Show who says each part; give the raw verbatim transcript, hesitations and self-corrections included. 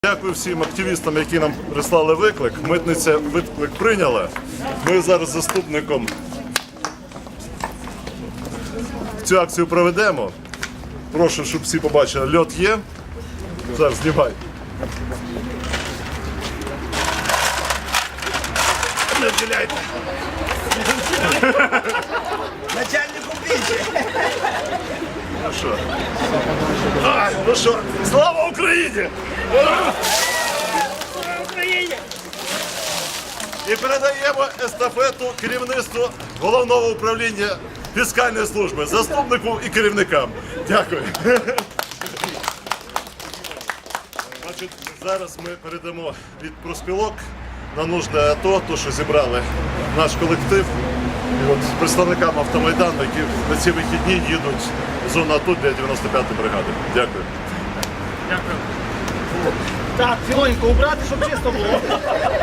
Speaker 1: Дякую всім активістам, які нам прислали виклик. Митниця виклик прийняла. Ми зараз з заступником цю акцію проведемо. Прошу, щоб всі побачили. Льот є. Зараз знімай. Не вділяйте.
Speaker 2: Начальнику більше.
Speaker 1: Ну що? А, ну що? Слава Україні!
Speaker 2: Слава Україні!
Speaker 1: І передаємо естафету керівництву Головного управління фіскальної служби, заступнику і керівникам. Дякую. Значить, зараз ми передамо від профспілок на нужне АТО, то, що зібрали наш колектив. І от представникам Автомайдану, які на ці вихідні їдуть в зону АТО для дев'яносто п'ятої бригади. Дякую.
Speaker 2: Дякую. Так, цілонько убрати, щоб чисто було.